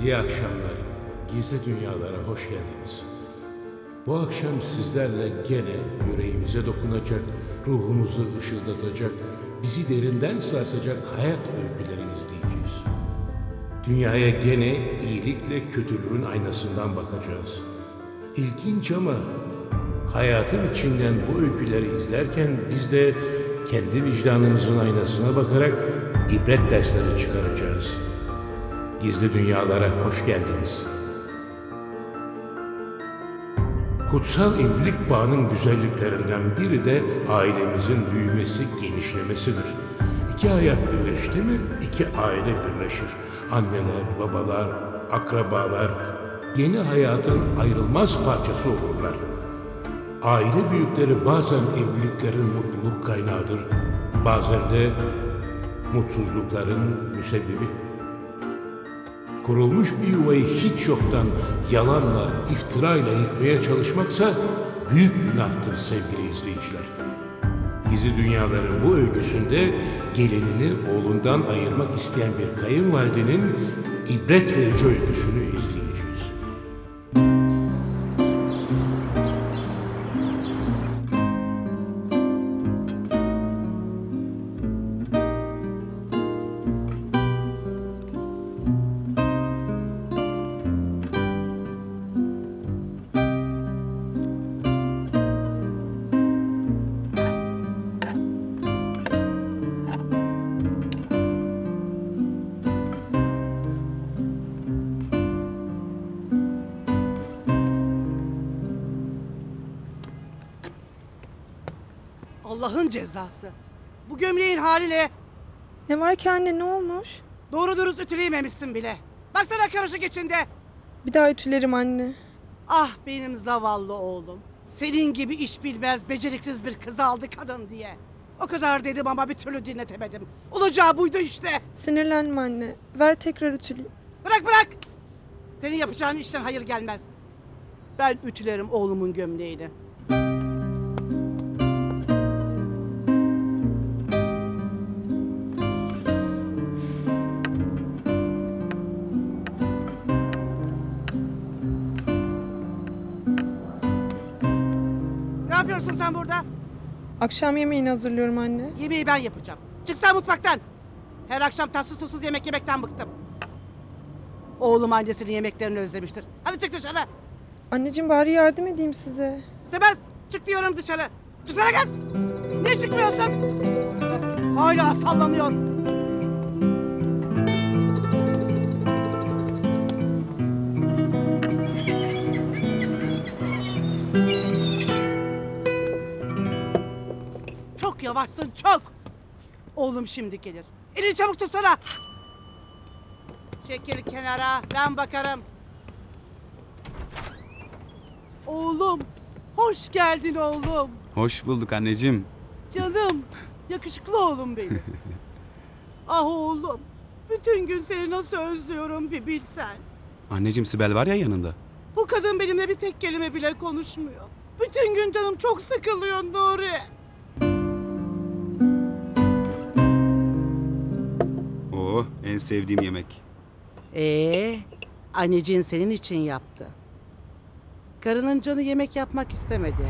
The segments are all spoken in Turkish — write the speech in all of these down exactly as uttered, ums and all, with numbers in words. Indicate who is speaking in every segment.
Speaker 1: İyi akşamlar. Gizli Dünyalara hoş geldiniz. Bu akşam sizlerle gene yüreğimize dokunacak, ruhumuzu ışıldatacak, bizi derinden sarsacak hayat öyküleri izleyeceğiz. Dünyaya gene iyilikle kötülüğün aynasından bakacağız. İlginç ama hayatın içinden bu öyküleri izlerken biz de kendi vicdanımızın aynasına bakarak ibret dersleri çıkaracağız. Gizli Dünyalara hoş geldiniz. Kutsal evlilik bağının güzelliklerinden biri de ailemizin büyümesi, genişlemesidir. İki hayat birleşti mi, iki aile birleşir. Anneler, babalar, akrabalar yeni hayatın ayrılmaz parçası olurlar. Aile büyükleri bazen evliliklerin mutluluk kaynağıdır, bazen de mutsuzlukların müsebbibi. Kurulmuş bir yuvayı hiç yoktan yalanla, iftirayla yıkmaya çalışmaksa büyük günahtır sevgili izleyiciler. Gizli Dünyaların bu öyküsünde gelinini oğlundan ayırmak isteyen bir kayınvalidenin ibret verici öyküsünü izleyeceğiz.
Speaker 2: Allah'ın cezası. Bu gömleğin haliyle
Speaker 3: Ne var ki anne, ne olmuş?
Speaker 2: doğru dürüst ütüleyememişsin bile. Baksana karışık içinde.
Speaker 3: Bir daha ütülerim anne.
Speaker 2: Ah benim zavallı oğlum. Senin gibi iş bilmez, beceriksiz bir kız aldı kadın diye. O kadar dedim ama bir türlü dinletemedim. Olacağı buydu işte.
Speaker 3: Sinirlenme anne. Ver tekrar ütüleyeyim.
Speaker 2: Bırak bırak. Senin yapacağın işten hayır gelmez. Ben ütülerim oğlumun gömleğini. Ne yapıyorsun sen burada?
Speaker 3: Akşam yemeğini hazırlıyorum anne.
Speaker 2: Yemeği ben yapacağım. Çıksana mutfaktan. Her akşam tatsız tuzsuz yemek yemekten bıktım. Oğlum annesinin yemeklerini özlemiştir. Hadi çık dışarı.
Speaker 3: Anneciğim bari yardım edeyim size.
Speaker 2: İstemez. Çık diyorum dışarı. Çıksana kız. Niye çıkmıyorsun? Hala sallanıyor. Çok yavaşsın çok. Oğlum şimdi gelir. Elini çabuk tutsana. Çekil kenara, ben bakarım. Oğlum, hoş geldin oğlum.
Speaker 4: Hoş bulduk anneciğim.
Speaker 2: Canım, yakışıklı oğlum benim. Ah oğlum, bütün gün seni nasıl özlüyorum bir bilsen.
Speaker 4: Anneciğim Sibel var ya yanında.
Speaker 2: Bu kadın benimle bir tek kelime bile konuşmuyor. Bütün gün canım çok sıkılıyor Nuri.
Speaker 4: Oo, en sevdiğim yemek.
Speaker 2: Ee, anneciğin senin için yaptı. Karının canı yemek yapmak istemedi.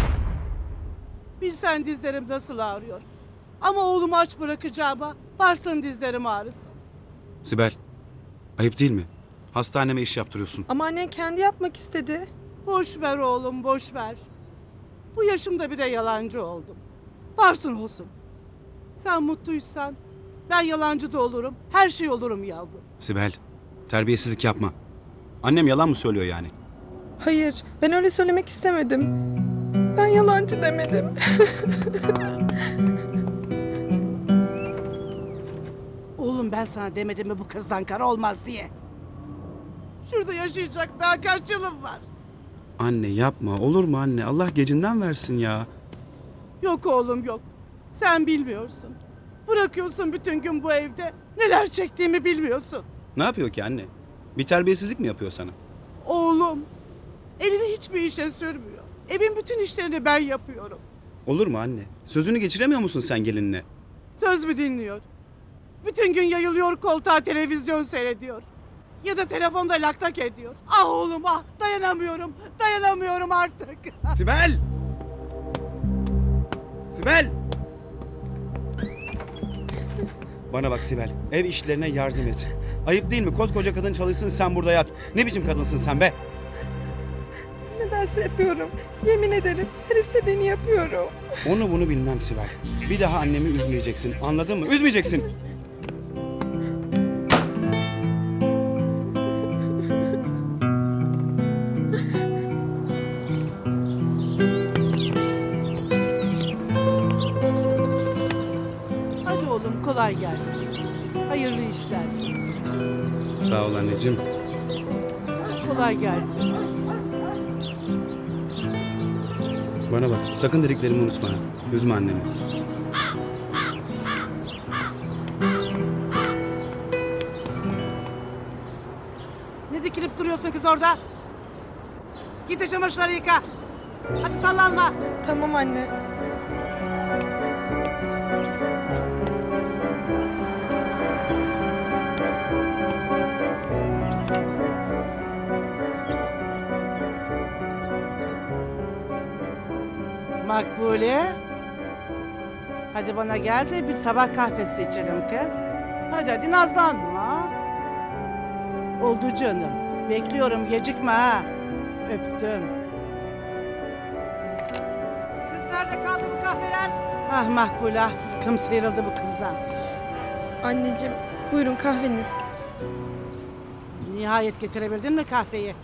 Speaker 2: Bilsen dizlerim nasıl ağrıyor. Ama oğlumu aç bırakacağıma varsın dizlerim ağrısın.
Speaker 4: Sibel, ayıp değil mi? Hastaneme iş yaptırıyorsun.
Speaker 3: Ama annen kendi yapmak istedi.
Speaker 2: Boş ver oğlum, boş ver. Bu yaşımda bir de yalancı oldum. Varsın olsun. Sen mutluysan ben yalancı da olurum, her şey olurum yavrum.
Speaker 4: Sibel, terbiyesizlik yapma. Annem yalan mı söylüyor yani?
Speaker 3: Hayır, ben öyle söylemek istemedim. Ben yalancı demedim.
Speaker 2: Oğlum ben sana demedim mi bu kızdan kara olmaz diye. Şurada yaşayacak daha kaç yılım var.
Speaker 4: Anne yapma, olur mu anne? Allah gecinden versin ya.
Speaker 2: Yok oğlum yok. Sen bilmiyorsun. Bırakıyorsun bütün gün bu evde. Neler çektiğimi bilmiyorsun.
Speaker 4: Ne yapıyor ki anne? Bir terbiyesizlik mi yapıyor sana?
Speaker 2: Oğlum elini hiçbir işe sürmüyor. Evin bütün işlerini ben yapıyorum.
Speaker 4: Olur mu anne? Sözünü geçiremiyor musun sen gelinine?
Speaker 2: Söz mü dinliyor? Bütün gün yayılıyor koltuğa televizyon seyrediyor. ya da telefonda lak lak ediyor. Ah oğlum ah, dayanamıyorum, dayanamıyorum artık.
Speaker 4: Sibel! Sibel! Bana bak Sibel, ev işlerine yardım et. Ayıp değil mi? Koskoca kadın çalışsın, sen burada yat. Ne biçim kadınsın sen be?
Speaker 3: Ne derse yapıyorum. Yemin ederim her istediğini yapıyorum.
Speaker 4: Onu bunu bilmem Sibel. Bir daha annemi üzmeyeceksin, anladın mı? Üzmeyeceksin.
Speaker 2: Hadi oğlum kolay gelsin. Hayırlı işler.
Speaker 4: Sağ ol anneciğim.
Speaker 2: Kolay gelsin.
Speaker 4: Bana bak, sakın dediklerimi unutma. Üzme annemi.
Speaker 2: Ne dikilip duruyorsun kız orada? Git de çamaşırları yıka. Hadi sallanma.
Speaker 3: Tamam anne.
Speaker 2: Makbule. Hadi bana gel de bir sabah kahvesi içelim kız. Hadi hadi nazlanma. Oldu canım. Bekliyorum gecikme ha. Öptüm. Kız nerede kaldı bu kahveler? Ah Makbule ah sıtkım sıyrıldı bu kızdan.
Speaker 3: Anneciğim buyurun kahveniz.
Speaker 2: Nihayet getirebildin mi kahveyi?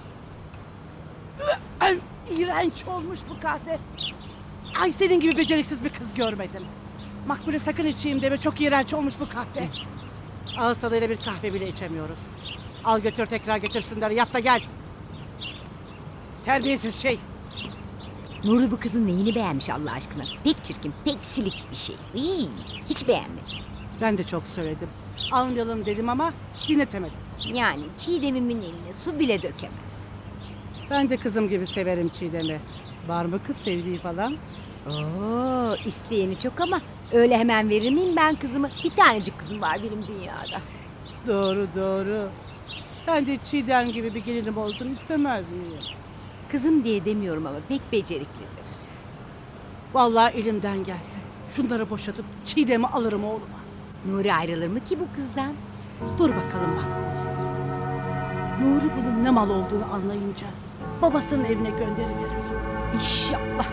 Speaker 2: Ay, İğrenç olmuş bu kahve. Ay senin gibi beceriksiz bir kız görmedim. Makbule sakın içeyim deme çok iğrenç olmuş bu kahve. Ağız tadıyla bir kahve bile içemiyoruz. Al götür tekrar getir şunları yap da gel. Terbiyesiz şey.
Speaker 5: Nuri bu kızın neyini beğenmiş Allah aşkına? Pek çirkin, pek silik bir şey. İyi, hiç beğenmedim.
Speaker 2: Ben de çok söyledim. Almayalım dedim ama dinletemedim.
Speaker 5: Yani Çiğdem'imin eline su bile dökemez.
Speaker 2: Ben de kızım gibi severim Çiğdem'i. Var mı kız sevdiği falan?
Speaker 5: Oo, isteyeni çok ama öyle hemen verir miyim ben kızımı? Bir tanecik kızım var benim dünyada.
Speaker 2: Doğru doğru. Ben de Çiğdem gibi bir gelinim olsun istemez miyim?
Speaker 5: Kızım diye demiyorum ama pek beceriklidir.
Speaker 2: Vallahi elimden gelse şunları boşatıp Çiğdem'i alırım oğluma.
Speaker 5: Nuri ayrılır mı ki bu kızdan?
Speaker 2: Dur bakalım Makbule. Nuri bunun ne mal olduğunu anlayınca babasının evine gönderiverir.
Speaker 5: İnşallah.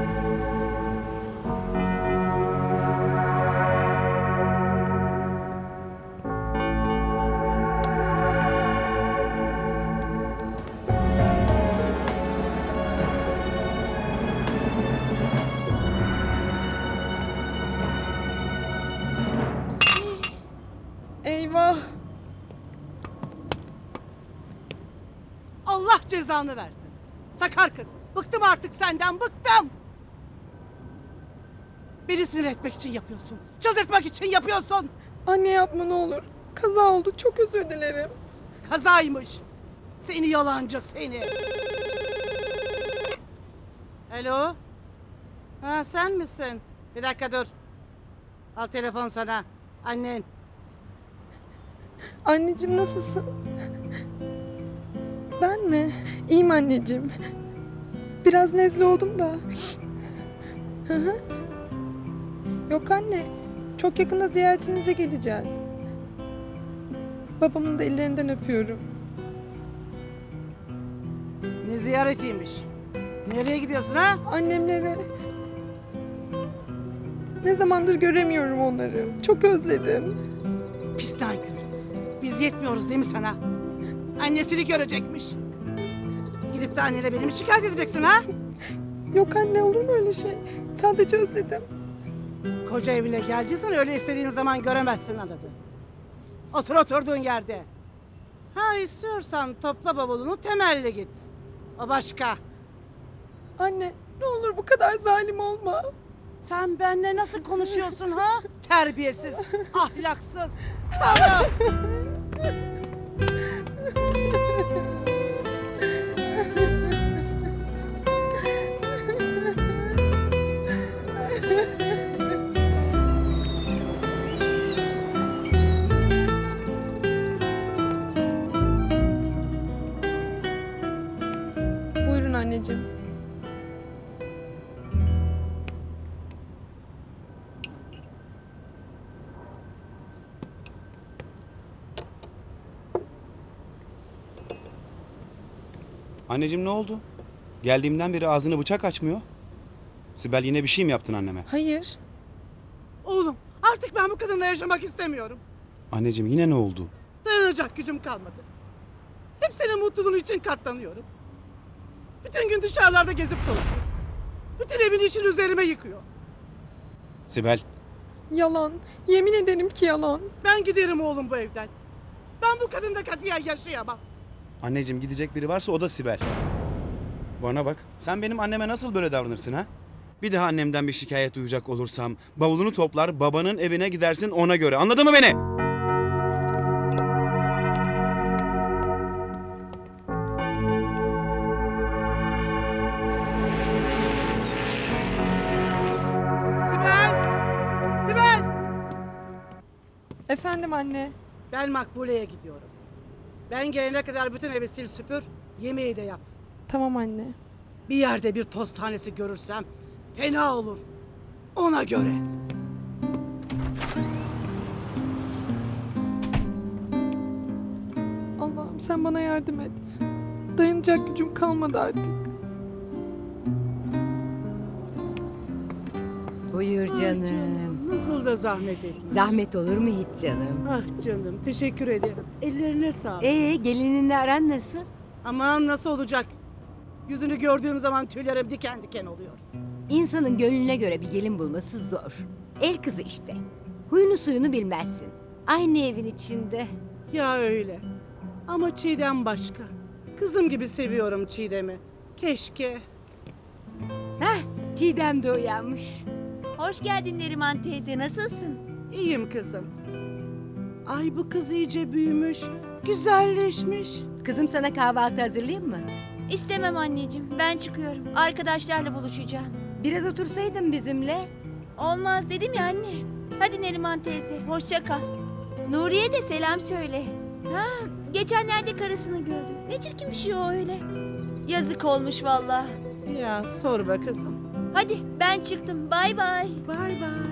Speaker 3: Eyvah.
Speaker 2: Allah cezanı versin. Sakar kız. Bıktım artık senden bıktım. Beni sinir etmek için yapıyorsun. Çıldırtmak için yapıyorsun.
Speaker 3: Anne yapma ne olur. Kaza oldu çok özür dilerim.
Speaker 2: Kazaymış. Seni yalancı seni. Alo. Ha sen misin? Bir dakika dur. Al telefon sana. Annen.
Speaker 3: Anneciğim nasılsın? Ben mi? İyiyim anneciğim. Biraz nezle oldum da. Hı hı. Yok anne. Çok yakında ziyaretinize geleceğiz. Babamın da ellerinden öpüyorum.
Speaker 2: Ne ziyaretiymiş? Nereye gidiyorsun ha?
Speaker 3: Annemlere. Ne zamandır göremiyorum onları. Çok özledim.
Speaker 2: Pis nankör. Biz yetmiyoruz değil mi sana? Annesini görecekmiş. Gidip de annene beni mi şikayet edeceksin ha?
Speaker 3: Yok anne olur mu öyle şey? Sadece özledim.
Speaker 2: Koca evine geldiysen öyle istediğin zaman göremezsin anladı. Otur oturduğun yerde. Ha istiyorsan topla bavulunu temelli git. O başka.
Speaker 3: Anne ne olur bu kadar zalim olma.
Speaker 2: Sen benimle nasıl konuşuyorsun ha? Terbiyesiz, ahlaksız, karı.
Speaker 3: anneciğim.
Speaker 4: Anneciğim ne oldu? Geldiğimden beri ağzını bıçak açmıyor. Sibel yine bir şey mi yaptın anneme?
Speaker 3: Hayır.
Speaker 2: Oğlum artık ben bu kadınla yaşamak istemiyorum.
Speaker 4: Anneciğim yine ne oldu?
Speaker 2: Dayanacak gücüm kalmadı. Hep senin mutluluğun için katlanıyorum. Bütün gün dışarılarda gezip dolaşıyorum. Bütün evin işini üzerime yıkıyor.
Speaker 4: Sibel,
Speaker 3: Yalan. Yemin ederim ki yalan.
Speaker 2: Ben giderim oğlum bu evden. Ben bu kadınla katiyen yaşayamam.
Speaker 4: anneciğim gidecek biri varsa o da Sibel. Bana bak, sen benim anneme nasıl böyle davranırsın ha? Bir daha annemden bir şikayet duyacak olursam bavulunu toplar babanın evine gidersin ona göre. Anladın mı beni?
Speaker 2: Sibel! Sibel!
Speaker 3: Efendim anne.
Speaker 2: Ben Makbule'ye gidiyorum. Ben gelene kadar bütün evi sil süpür, yemeği de yap.
Speaker 3: Tamam anne.
Speaker 2: Bir yerde bir toz tanesi görürsem fena olur. Ona göre.
Speaker 3: Allah'ım sen bana yardım et. Dayanacak gücüm kalmadı artık.
Speaker 5: Buyur
Speaker 2: Ah
Speaker 5: canım.
Speaker 2: Nasıl da zahmet etmiş.
Speaker 5: Zahmet olur mu hiç canım?
Speaker 2: Ah canım teşekkür ederim. Ellerine sağlık.
Speaker 5: Ee gelininle aran nasıl?
Speaker 2: Aman nasıl olacak? Yüzünü gördüğüm zaman tüylerim diken diken oluyor.
Speaker 5: İnsanın gönlüne göre bir gelin bulması zor. El kızı işte. Huyunu suyunu bilmezsin. Aynı evin içinde.
Speaker 2: Ya öyle. Ama Çiğdem başka. Kızım gibi seviyorum Çiğdem'i. Keşke.
Speaker 5: Hah, Çiğdem de uyanmış.
Speaker 6: Hoş geldin Neriman teyze, nasılsın?
Speaker 2: İyiyim kızım. Ay bu kız iyice büyümüş. Güzelleşmiş.
Speaker 5: Kızım sana kahvaltı hazırlayayım mı?
Speaker 6: İstemem anneciğim, ben çıkıyorum. Arkadaşlarla buluşacağım.
Speaker 5: Biraz otursaydın bizimle.
Speaker 6: Olmaz dedim ya anne. Hadi Neriman teyze, hoşça kal. Nuriye de selam söyle. Ha, geçenlerde karısını gördüm. Ne çirkin bir şey o öyle. Yazık olmuş vallahi.
Speaker 2: Ya sorma kızım.
Speaker 6: Hadi ben çıktım, bay bay.
Speaker 2: Bay bay.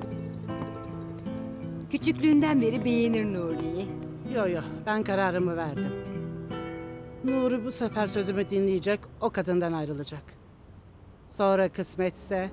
Speaker 5: Küçüklüğünden beri beğenir Nuri'yi.
Speaker 2: Yo yo ben kararımı verdim. Nuri bu sefer sözümü dinleyecek, o kadından ayrılacak. Sonra kısmetse...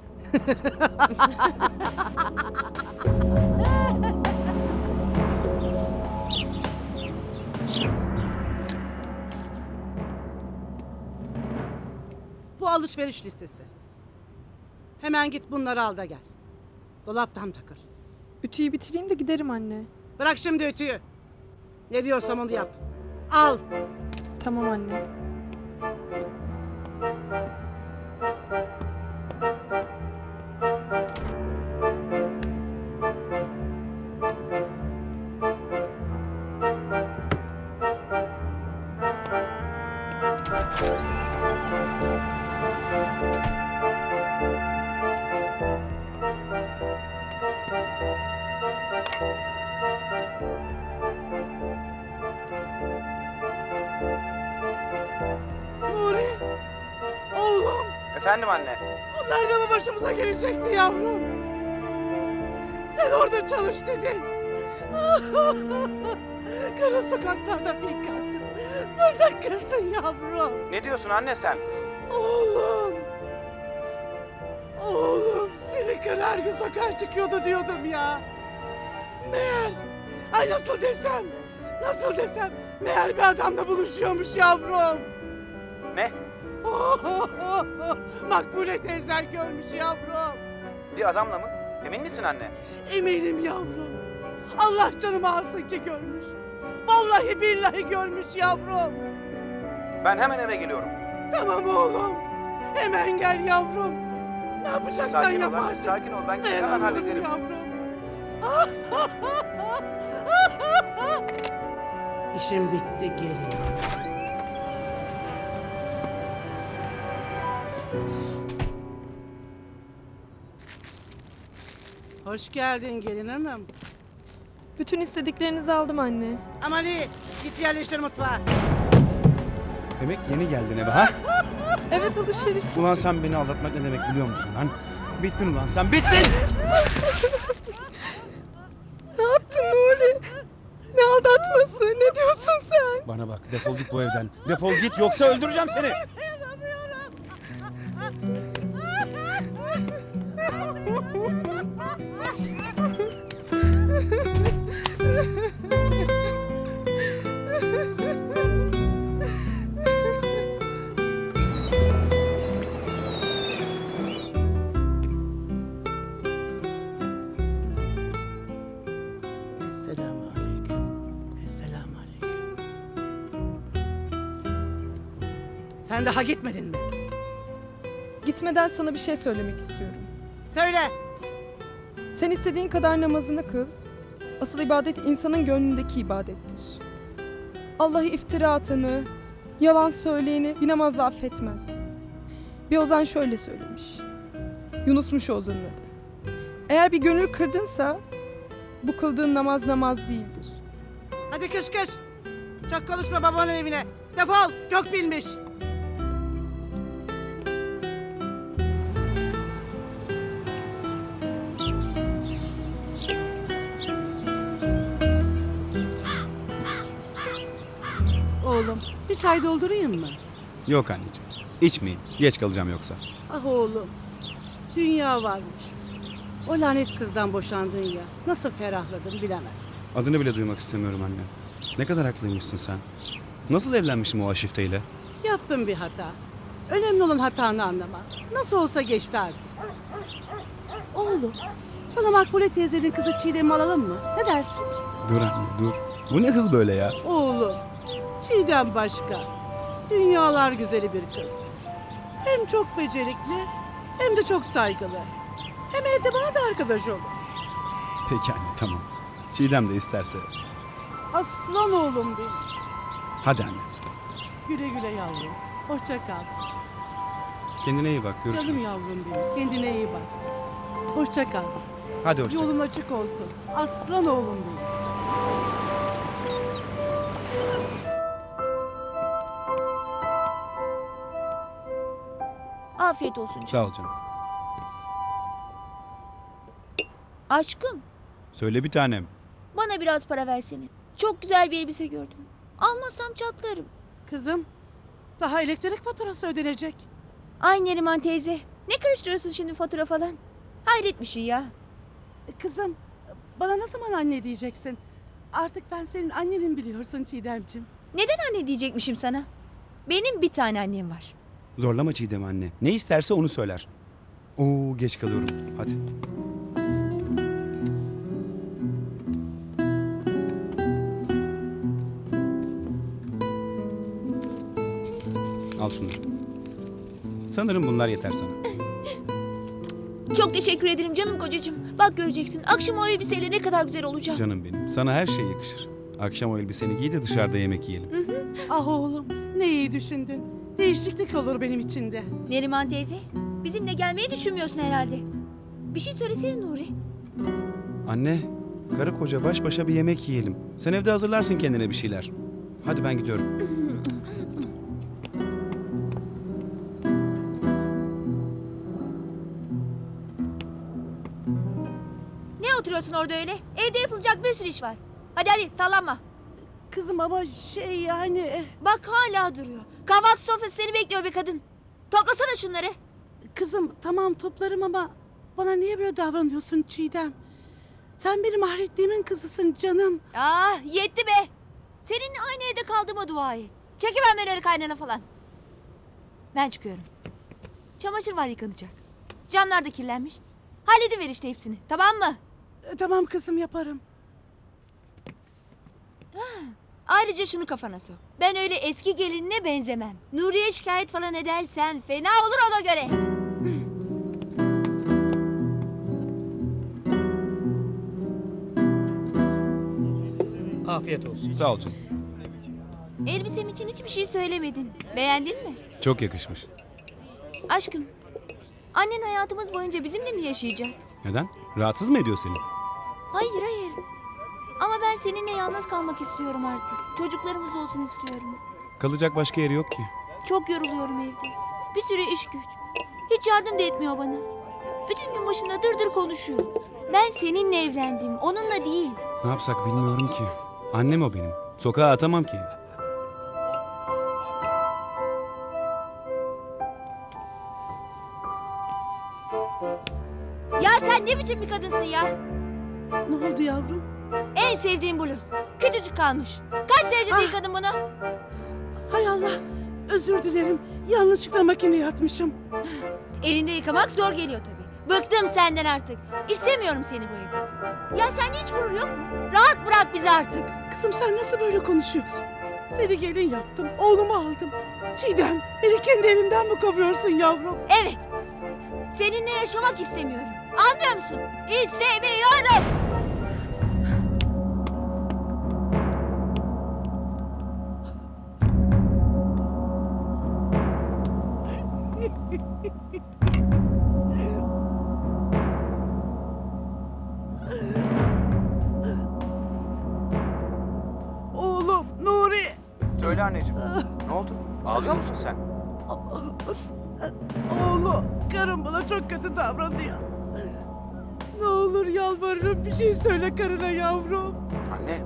Speaker 2: Bu alışveriş listesi. Hemen git bunları al da gel. Dolaptan takır.
Speaker 3: Ütüyü bitireyim de giderim anne.
Speaker 2: Bırak şimdi ütüyü. Ne diyorsam onu yap. Al.
Speaker 3: Tamam anne.
Speaker 2: Nuri. Oğlum.
Speaker 4: Efendim anne.
Speaker 2: Bunlar da mı başımıza gelecekti yavrum? Sen orada çalış dedin. Kara sokaklarda finkansın. Burada kırsın yavrum.
Speaker 4: Ne diyorsun anne sen?
Speaker 2: Oğlum. Oğlum seni kır her gün sokağa çıkıyordu diyordum ya. Meğer. Ay nasıl desem. Nasıl desem. Meğer bir adamla buluşuyormuş yavrum.
Speaker 4: Ne?
Speaker 2: Makbule teyzen görmüş yavrum.
Speaker 4: Bir adamla mı? Emin misin anne?
Speaker 2: Eminim yavrum. Allah canımı alsın ki görmüş. Vallahi billahi görmüş yavrum.
Speaker 4: Ben hemen eve geliyorum.
Speaker 2: Tamam oğlum. Hemen gel yavrum. Ne yapacaksan yap artık.
Speaker 4: sakin ol. Ben
Speaker 2: Dayanamıyorum yavrum. İşim bitti geliyorum. Hoş geldin gelin hanım.
Speaker 3: Bütün istediklerinizi aldım anne.
Speaker 2: Amali git yerleştir mutfağa.
Speaker 4: Demek yeni geldin eve ha?
Speaker 3: Evet alışveriş.
Speaker 4: Ulan sen beni aldatmak ne demek biliyor musun lan? Bittin ulan sen bittin!
Speaker 3: Ne yaptın Nuri? Ne aldatması? Ne diyorsun sen?
Speaker 4: Bana bak defol git bu evden. Defol git yoksa öldüreceğim seni.
Speaker 2: Esselamu aleyküm. Esselamu aleyküm. Sen daha gitmedin mi?
Speaker 3: Gitmeden sana bir şey söylemek istiyorum.
Speaker 2: Söyle.
Speaker 3: Sen istediğin kadar namazını kıl. Asıl ibadet insanın gönlündeki ibadettir. Allah'ı iftira atanı, yalan söyleyeni bir namazla affetmez. Bir ozan şöyle söylemiş. Yunus'muş o ozanın adı. Eğer bir gönül kırdınsa bu kıldığın namaz namaz değildir.
Speaker 2: Hadi kış kış. Çok konuşma babanın evine. Defol. Çok bilmiş. Oğlum bir çay doldurayım mı?
Speaker 4: Yok anneciğim. İçmeyin. Geç kalacağım yoksa.
Speaker 2: Ah oğlum. Dünya varmış. O lanet kızdan boşandın ya. Nasıl ferahladın bilemezsin.
Speaker 4: Adını bile duymak istemiyorum anne. Ne kadar haklıymışsın sen. Nasıl evlenmişim o aşifteyle?
Speaker 2: Yaptın bir hata. Önemli olan hatanı anlamak. Nasıl olsa geçti artık. Oğlum, sana Makbule teyzenin kızı Çiğdem'i alalım mı? Ne dersin?
Speaker 4: Dur anne dur. Bu ne hız böyle ya?
Speaker 2: Oğlum, Çiğdem başka. Dünyalar güzeli bir kız. Hem çok becerikli, hem de çok saygılı. Hem evde bana da arkadaş olur.
Speaker 4: Peki anne tamam. Çiğdem de isterse.
Speaker 2: Aslan oğlum benim.
Speaker 4: Hadi anne.
Speaker 2: Güle güle yavrum. Hoşça kal.
Speaker 4: Kendine iyi bak. Görüşürüz.
Speaker 2: Canım yavrum benim. Kendine iyi bak. Hoşça kal.
Speaker 4: Hadi hoşça kal.
Speaker 2: Yolun açık olsun. Aslan oğlum benim.
Speaker 6: Afiyet olsun canım.
Speaker 4: Sağ ol canım.
Speaker 6: Aşkım,
Speaker 4: Söyle bir tanem.
Speaker 6: bana biraz para versene. Çok güzel bir elbise gördüm. Almazsam çatlarım.
Speaker 2: Kızım, daha elektrik faturası ödenecek.
Speaker 6: Ay Neriman teyze, ne karıştırıyorsun şimdi fatura falan? Hayret bir şey ya.
Speaker 2: Kızım, bana ne zaman anne diyeceksin? Artık ben senin annenin biliyorsun Çiğdemciğim.
Speaker 6: Neden anne diyecekmişim sana? Benim bir tane annem var.
Speaker 4: Zorlama Çiğdem anne. Ne isterse onu söyler. Oo geç kalıyorum. Hadi. Al şunları. Sanırım bunlar yeter sana.
Speaker 6: Çok teşekkür ederim canım kocacığım. Bak göreceksin, akşam o elbiseyle ne kadar güzel olacağım.
Speaker 4: Canım benim. Sana her şey yakışır. Akşam o elbiseni giy de dışarıda yemek yiyelim.
Speaker 2: Ah oğlum, ne iyi düşündün. Değişiklik olur benim için de.
Speaker 6: Neriman teyze, bizimle gelmeyi düşünmüyorsun herhalde. Bir şey söylesene Nuri.
Speaker 4: Anne, karı koca baş başa bir yemek yiyelim. Sen evde hazırlarsın kendine bir şeyler. Hadi ben gidiyorum.
Speaker 6: Ne oturuyorsun orada öyle? Evde yapılacak bir sürü iş var. Hadi hadi sallanma.
Speaker 2: Kızım ama şey yani... eh,
Speaker 6: Bak hala duruyor. Kahvaltı sofrası seni bekliyor be kadın. Toplasana şunları.
Speaker 2: Kızım tamam toplarım ama bana niye böyle davranıyorsun Çiğdem? Sen benim ahretliğimin kızısın canım.
Speaker 6: Ah yetti be. Seninle aynı evde kaldığıma dua et. Çekemem ben öyle kaynana falan. Ben çıkıyorum. Çamaşır var yıkanacak. Camlar da kirlenmiş. Hallediver işte hepsini, tamam mı?
Speaker 2: E, tamam kızım yaparım.
Speaker 6: Ayrıca şunu kafana sok. Ben öyle eski gelinine benzemem. Nuriye şikayet falan edersen fena olur ona göre.
Speaker 7: Afiyet olsun.
Speaker 4: Sağ ol canım.
Speaker 6: Elbisem için hiçbir şey söylemedin. Beğendin mi?
Speaker 4: Çok yakışmış.
Speaker 6: Aşkım, annen hayatımız boyunca bizimle mi yaşayacak?
Speaker 4: Neden? Rahatsız mı ediyor seni?
Speaker 6: Hayır hayır. Ama ben seninle yalnız kalmak istiyorum artık. Çocuklarımız olsun istiyorum.
Speaker 4: Kalacak başka yeri yok ki.
Speaker 6: Çok yoruluyorum evde. Bir sürü iş güç. Hiç yardım da etmiyor bana. Bütün gün başımda dır dır konuşuyor. Ben seninle evlendim, onunla değil.
Speaker 4: Ne yapsak bilmiyorum ki. Annem o benim. Sokağa atamam ki.
Speaker 6: Ya sen ne biçim bir kadınsın ya?
Speaker 2: Ne oldu yavrum?
Speaker 6: En sevdiğim bluz. Küçücük kalmış. Kaç derecede yıkadın bunu?
Speaker 2: Hay Allah. Özür dilerim. Yanlışlıkla makineye atmışım.
Speaker 6: Elinde yıkamak zor geliyor tabii. Bıktım senden artık. İstemiyorum seni bu evde. Ya sende hiç gurur yok mu? Rahat bırak bizi artık.
Speaker 2: Kızım sen nasıl böyle konuşuyorsun? Seni gelin yaptım. Oğlumu aldım. Çiğdem beni kendi evimden mi kovuyorsun yavrum?
Speaker 6: Evet. Seninle yaşamak istemiyorum. Anlıyor musun? İstemiyorum.
Speaker 2: Oğlum Nuri.
Speaker 4: Söyle anneciğim. Ne oldu? Ağlıyor musun sen?
Speaker 2: Oğlum karım bana çok kötü davranıyor. Ne olur yalvarırım bir şey söyle karına yavrum.
Speaker 4: Anne.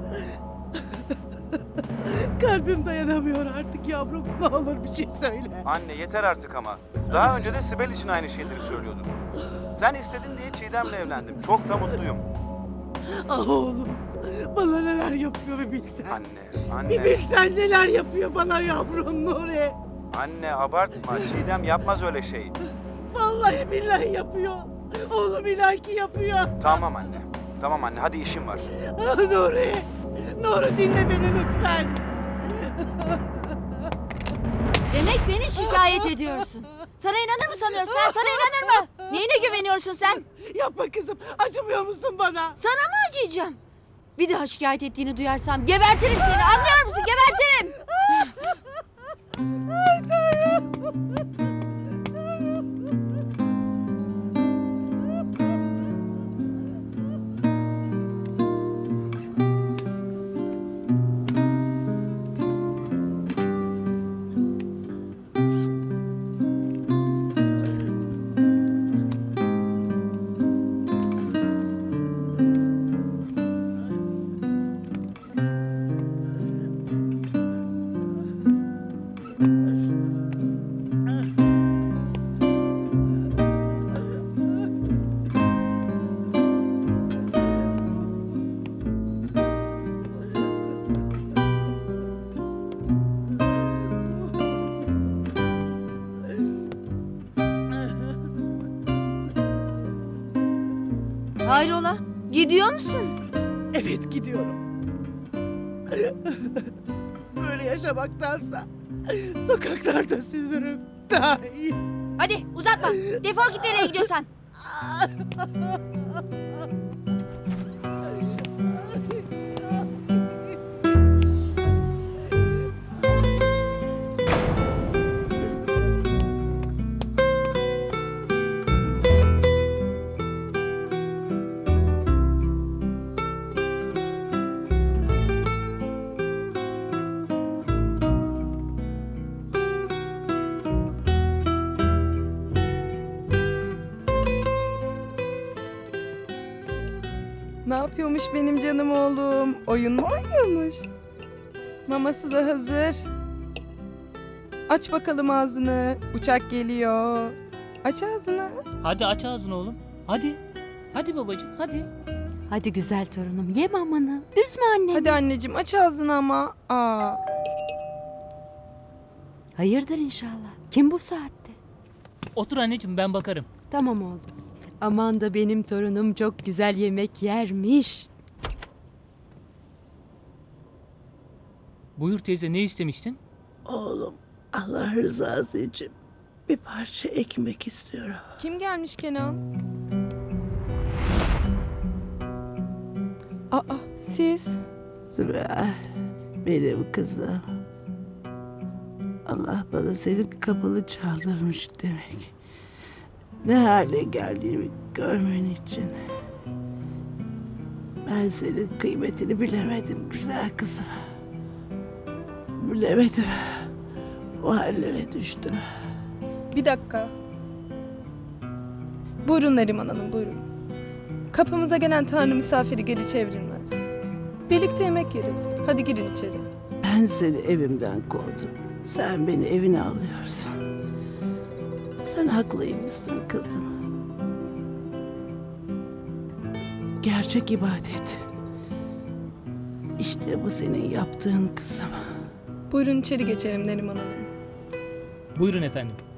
Speaker 2: Kalbim dayanamıyor artık yavrum. Ne olur bir şey söyle.
Speaker 4: Anne yeter artık ama. Daha önce de Sibel için aynı şeyleri söylüyordun. Sen istedin diye Çiğdem'le evlendim. Çok da mutluyum.
Speaker 2: Ah oğlum. Bana neler yapıyor bir bilsen.
Speaker 4: Anne,
Speaker 2: Bir
Speaker 4: anne.
Speaker 2: bilsen neler yapıyor bana yavrum Nuri.
Speaker 4: Anne abartma. Çiğdem yapmaz öyle şey.
Speaker 2: Vallahi billahi yapıyor. Oğlum inan ki yapıyor.
Speaker 4: Tamam anne. Tamam anne hadi işim var.
Speaker 2: Ah Nuri. Nuri dinle beni lütfen.
Speaker 6: Demek beni şikayet ediyorsun. Sana inanır mı sanıyorsun? Ha? Sana inanır mı? Neyine güveniyorsun sen?
Speaker 2: Yapma kızım. Acımıyor musun bana?
Speaker 6: Sana mı acıyacağım? Bir daha şikayet ettiğini duyarsam gebertirim seni. Anlıyor musun? Gebertirim. Hayrola? Gidiyor musun?
Speaker 2: Evet gidiyorum. Böyle yaşamaktansa sokaklarda süzürüm daha iyi.
Speaker 6: Hadi uzatma. Defol git nereye gidiyorsan.
Speaker 3: Ne yapıyormuş benim canım oğlum? Oyun mu oynuyormuş? Maması da hazır. Aç bakalım ağzını. Uçak geliyor. Aç ağzını.
Speaker 7: Hadi aç ağzını oğlum. Hadi. Hadi babacığım hadi.
Speaker 8: Hadi güzel torunum ye mamanı. Üzme annemi.
Speaker 3: Hadi anneciğim aç ağzını ama. Aa.
Speaker 8: Hayırdır inşallah. Kim bu saatte?
Speaker 7: Otur anneciğim ben bakarım.
Speaker 8: Tamam oğlum. Aman da benim torunum çok güzel yemek yermiş.
Speaker 7: Buyur teyze ne istemiştin?
Speaker 2: Oğlum Allah rızası için bir parça ekmek istiyorum.
Speaker 3: Kim gelmiş Kenan? Aa siz?
Speaker 2: Sibel, benim kızım. Allah bana senin kapını çaldırmış demek. Ne hale geldiğimi görmen için. Ben senin kıymetini bilemedim güzel kızım. Bilemedim. O hallere düştüm.
Speaker 3: Bir dakika. Buyurun Neriman Hanım, buyurun. Kapımıza gelen Tanrı misafiri geri çevrilmez. Birlikte yemek yeriz. Hadi girin içeri.
Speaker 9: Ben seni evimden kovdum. Sen beni evine alıyorsun. Sen haklıymışsın kızım. Gerçek ibadet. İşte bu senin yaptığın kızım.
Speaker 3: Buyurun içeri geçelim Neriman Hanım.
Speaker 7: Buyurun efendim.